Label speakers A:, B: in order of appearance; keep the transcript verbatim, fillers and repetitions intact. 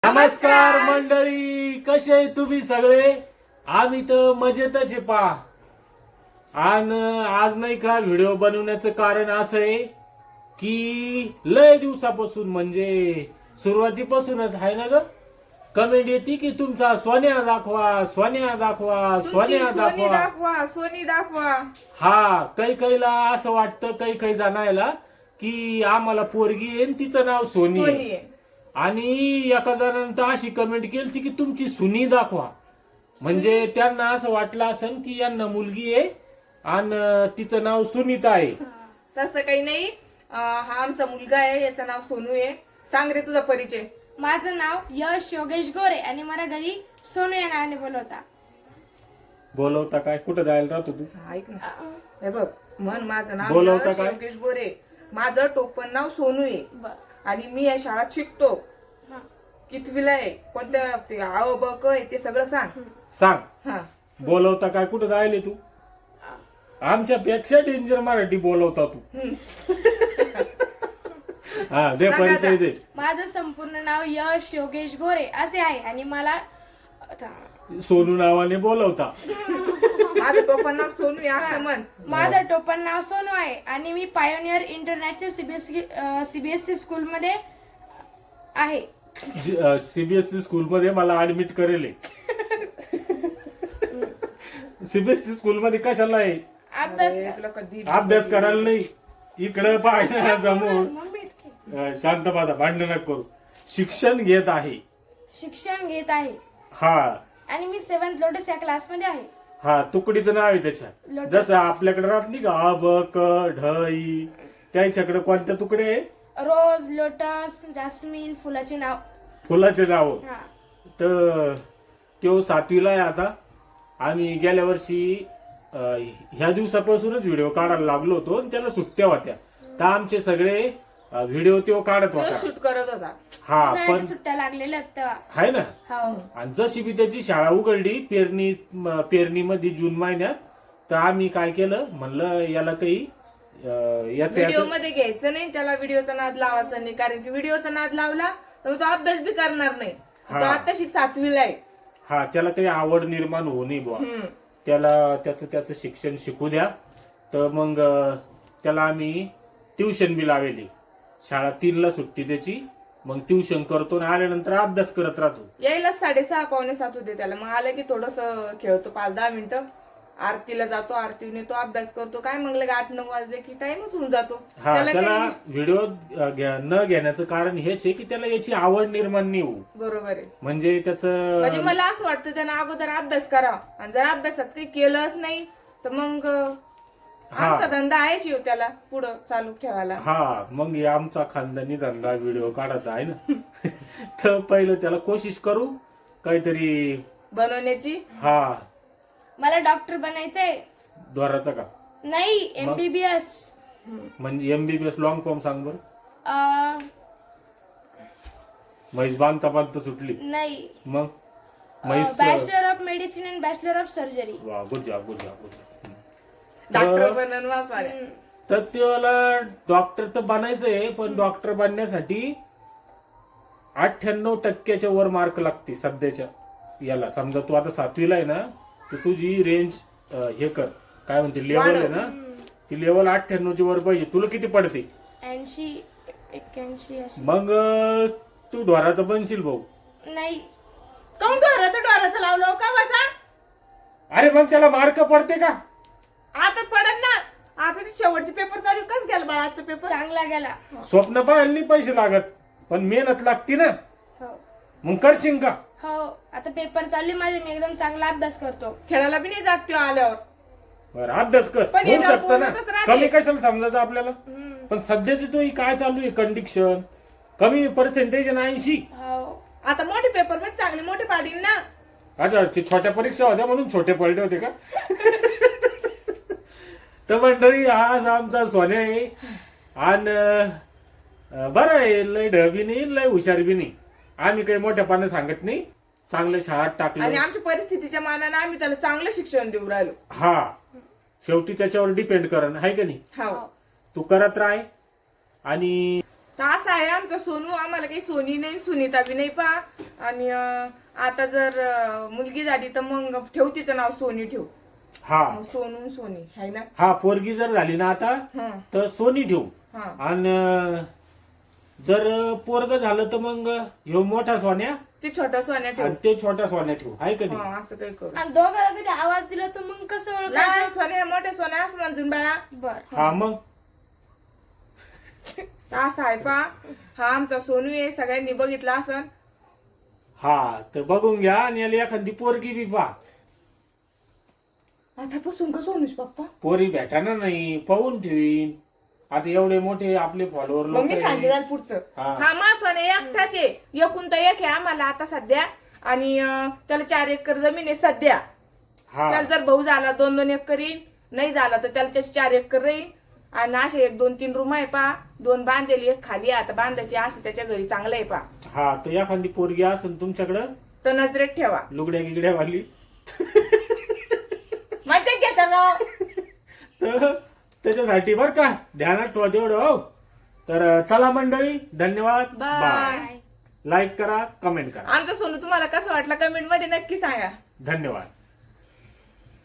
A: नमस्कार मंडळी, कसे आहे तुम्ही सगळे? आम्ही तर मजेतच आहे पा. आणि आज नाही का व्हिडिओ बनवण्याचं कारण असं आहे की लय दिवसापासून म्हणजे सुरुवातीपासूनच आहे ना ग, कमेंट येते की तुमचा सोन्या दाखवा, सोन्या दाखवा, सोन्या
B: सोनी
A: दाखवा.
B: दाखवा सोनी दाखवा.
A: हा, काही काहीला असं वाटतं, काही काही जणायला की आम्हाला पोरगी आहे आणि तिचं नाव सोनी
B: सोनी
A: आहे.
B: आहे.
A: आणि एका जणांना अशी कमेंट केली की तुमची सुनी दाखवा. म्हणजे त्यांना असं वाटलं असेल की यांना मुलगी आहे आणि तिचं नाव सुनीता आहे.
B: तसं काही नाही. अं, हा आमचा मुलगा आहे, याचं नाव सोनू आहे. सांग रे तुझा परिचय.
C: माझं नाव यश योगेश गोरे आणि मला घरी सोनू या नावाने बोलवता.
A: बोलवता काय? कुठं जायला राहतो तू?
B: हा, ऐक ना, हे बघ, म्हण माझं नाव
A: बोलवता
B: यश
A: काय?
B: योगेश गोरे, माझं टोपण नाव सोनू आहे
C: बर.
B: आणि मी या शाळेत शिकतो.
C: हा.
B: कितवीला आहे, कोणत्या ते आव ब क आहे ते सगळं सांग.
A: सांग.
B: हा,
A: बोलवता काय? कुठं जायले तू? आमच्या पेक्षा डेंजर मराठी बोलवता तू. हा, दे
B: सांगा
A: परिचय दे.
C: माझं संपूर्ण नाव यश योगेश गोरे असे आहे आणि मला
A: सोनू नावाने बोलवता.
B: माझं टोपण नाव सोनू आहे असं म्हण.
C: माझं टोपण नाव सोनू आहे आणि मी पायोनियर इंटरनॅशनल सीबीएसई सीबीएसई स्कूलमध्ये आहे.
A: सीबीएसई स्कूल मध्ये मला ऍडमिट करेल. सीबीएसई स्कूल मध्ये कशाला आहे?
C: अभ्यास
B: अरे, तुला कधी
A: अभ्यास करायला नाही. इकडं पाहिजे समोर.
C: मम्मी इतकी.
A: अं, शांत बसा, भांडण नका करू. शिक्षण घेत आहे.
C: शिक्षण घेत आहे
A: हा
C: आणि मी सेव्हन्थ लोटस या क्लासमध्ये आहे.
A: हा, तुकडीचं नाव आहे त्याच्यात.
C: लोटस.
A: जसं आपल्याकडे राहत नाही का अ ब क ढ इ, त्याच्याकडे कोणत्या तुकडे आहे?
C: रोज लोटस जास्मिन फुलाचे नाव.
A: फुलाचे नाव.
C: हा.
A: तर तो सातवीला आहे आता. आम्ही गेल्या वर्षी अं, ह्या दिवसापासूनच व्हिडिओ काढायला लागलो होतो आणि त्याला सुट्ट्या होत्या, तर आमचे सगळे व्हिडिओ तो काढत होता.
B: शूट करत होता.
A: हा,
C: उन्हाळ्याच्या
A: पण
C: सुट्ट्या लागलेल्या आहेत तेव्हा.
A: आहे ना.
C: हो.
A: आणि जशी बी त्याची शाळा उघडली पेरणी पेरणीमध्ये जून महिन्यात, तर आम्ही काय केलं, म्हणलं याला काही अं, याचं
B: व्हिडिओ
A: याचं-
B: मध्ये घ्यायचं नाही, त्याला व्हिडिओचा नाद लावायचा नाही, कारण की व्हिडिओचा नाद लावला तर तो अभ्यास बी करणार नाही. तो
A: हा.
B: आता शिक सातवीला आहे.
A: हा, त्याला काही आवड निर्माण होऊ नये बुवा.
B: हम्म.
A: त्याला त्याचं त्याचं शिक्षण शिकू द्या. तर मग अं, त्याला आम्ही ट्युशन बी लावली. शाळा तीनला सुट्टी त्याची, मग ट्युशन करतो आणि आल्यानंतर अभ्यास करत राहतो.
B: यायला साडेसहा पावणे सात होते त्याला. मग आलं की थोडस खेळतो पाच दहा मिनिटं, आरतीला जातो, आरतीने तो अभ्यास करतो. काय मग लगे आठ नऊ वाजले की टाइमच होऊन जातो.
A: हा, त्याला
B: काही-
A: व्हिडिओ अं, घ्या- न घेण्याचं कारण हेच आहे की त्याला याची आवड निर्माण नाही होऊ.
B: बरोबर आहे.
A: म्हणजे
B: म्हणजे
A: त्याचं
B: मला असं वाटतं त्यानं अगोदर अभ्यास करावा, आणि जर अभ्यासात काही केलंच नाही तर मग
A: हा.
B: आमचा धंदा आहेच येऊ त्याला पुढं चालू ठेवायला.
A: हा, मग हे आमचा खानदानी धंदा व्हिडिओ काढायचा आहे ना. तर पहिलं त्याला कोशिश करू काहीतरी.
B: बनवण्याची.
A: हा,
C: मला डॉक्टर बनायचंय.
A: द्वाराचा का?
C: नाही, एमबीबीएस.
A: म्हणजे एमबीबीएस लॉंग फॉर्म सांग बरं. म्हैस बांधता बांधता सुटली.
C: नाही,
A: मग म्हैस
C: bachelor of medicine and bachelor of surgery.
A: वा, good job good job good job.
B: Doctor बनन वाचवाल्या.
A: तर त्याला डॉक्टर तर बनायचंय, पण डॉक्टर बनण्यासाठी अठ्ठ्याण्णव टक्क्याच्या वर मार्क लागते सध्याच्या याला. समजा तू आता सातवीला आहे ना, तर तुझी रेंज हे कर, काय म्हणते, लेवल आहे ना, ती लेवल अठ्ठ्याण्णव ची वर पाहिजे. तुला किती पडते?
C: ऐंशी एक्क्याऐंशी अशी.
A: मग अं, तू ढोराचा बनशील भाऊ.
C: नाही,
B: काऊन डोराचं डोराचं लावलं का वाचा?
A: अरे मग त्याला मार्क पडते का?
B: आता पडत ना. आता ते शेवटचे पेपर चालू. कस गेला बाळा आजचा पेपर?
C: चांगला गेला.
A: स्वप्न पाहायला नाही पैसे लागत, पण मेहनत लागते ना.
C: हो
A: मग करशील का?
C: हो, आता पेपर चालले माझे, मी एकदम चांगला अभ्यास करतो.
B: खेळायला बी नाही जात तो आल्यावर.
A: बरं, अभ्यास कर,
B: पण
A: होऊ
B: याला
A: शकतं ना.
B: बोलतच राहते.
A: कमी कशाला समजायचं आपल्याला. पण सध्याची तो ही काय चालू आहे कंडिशन, कमी पर्सेंटेज आहे ऐंशी.
C: हो.
B: आता मोठे पेपर मध्ये चांगले मोठे पाडील ना.
A: अच्छा, ते छोट्या परीक्षा होत्या म्हणून छोटे पडले होते का? तर मंडळी, आज आमचा सोन्या आहे. आणि अं, बरं आहे, लय ढबी नाही लय हुशार बी नाही. आम्ही काही मोठ्या पानं सांगत नाही. चांगल्या शाळेत
B: आणि
A: टाकलं.
B: आमच्या परिस्थितीच्या मानाने आम्ही त्याला चांगलं शिक्षण देऊ राहिलो.
A: हा, शेवटी त्याच्यावर डिपेंड करण आहे का नाही.
B: हो.
A: तू करत राह. आणि
B: तर असं आहे आमचं सोनू. आम्हाला काही सोनी नाही सुनीता बी नाही पा. आणि अं, आता जर अं, मुलगी झाली तर मग ठेव तिचं नाव सोनी ठेव.
A: हा
B: मग सोनू सोनी आहे ना.
A: हा पोरगी जर झाली ना आता
B: हा
A: तर सोनी ठेवू.
B: हा
A: आणि जर पोरग झालं तर मग ह्यो मोठा सोन्या
B: ते छोटा सोन्या ठेव.
A: आणि ते छोटा सोन्या ठेवू आहे का नाही?
B: हा असं काही करू.
C: आणि दोघांना कधी आवाज दिला तर मग कसं
B: लहान
C: ओळखायचं?
B: सोन्या मोठ्या सोन्या असं म्हणजून बाळा.
C: बर
A: हा मग
B: तर असं आहे पा. हा आमचा सोनू आहे, सगळ्यांनी बघितला असं.
A: हा तर बघून घ्या आणि याला एखादी पोरगी बी पा.
B: आतापासून का सोनूच पप्पा?
A: पोरी भेटाना नाही पाहून ठेवीन. आता एवढे मोठे आपले फॉलोअर
B: मग
A: लोक
B: मी सांगितलं पुढचं.
A: हा.
B: हा मा सोन्या एकटाच आहे. एकूण तर एक आहे आम्हाला आता सध्या. आणि अं, त्याला चार एकर जमीन आहे सध्या.
A: हा
B: त्याला जर भाऊ झाला दोन दोन एकर येईल, नाही झाला तर त्याला त्याची चार एकर राहील. आणि असे एक दोन तीन रूम आहे पा. दोन बांधलेली एक खाली आहे, आता बांधायची असं त्याच्या घरी चांगलं आहे पा.
A: हा तर एखादी पोरगी असेल तुमच्याकडं
B: तर नजरेत ठेवा.
A: लुगड्या गिगड्या वाली
B: मजा घेता ना.
A: तर त्याच्यासाठी बर का ध्यानात ठेवा तेवढं. हो तर चला मंडळी, धन्यवाद.
B: बाय.
A: लाईक करा, कमेंट करा.
B: आमचं सोनू तुम्हाला कसं वाटलं कमेंट मध्ये नक्की सांगा.
A: धन्यवाद.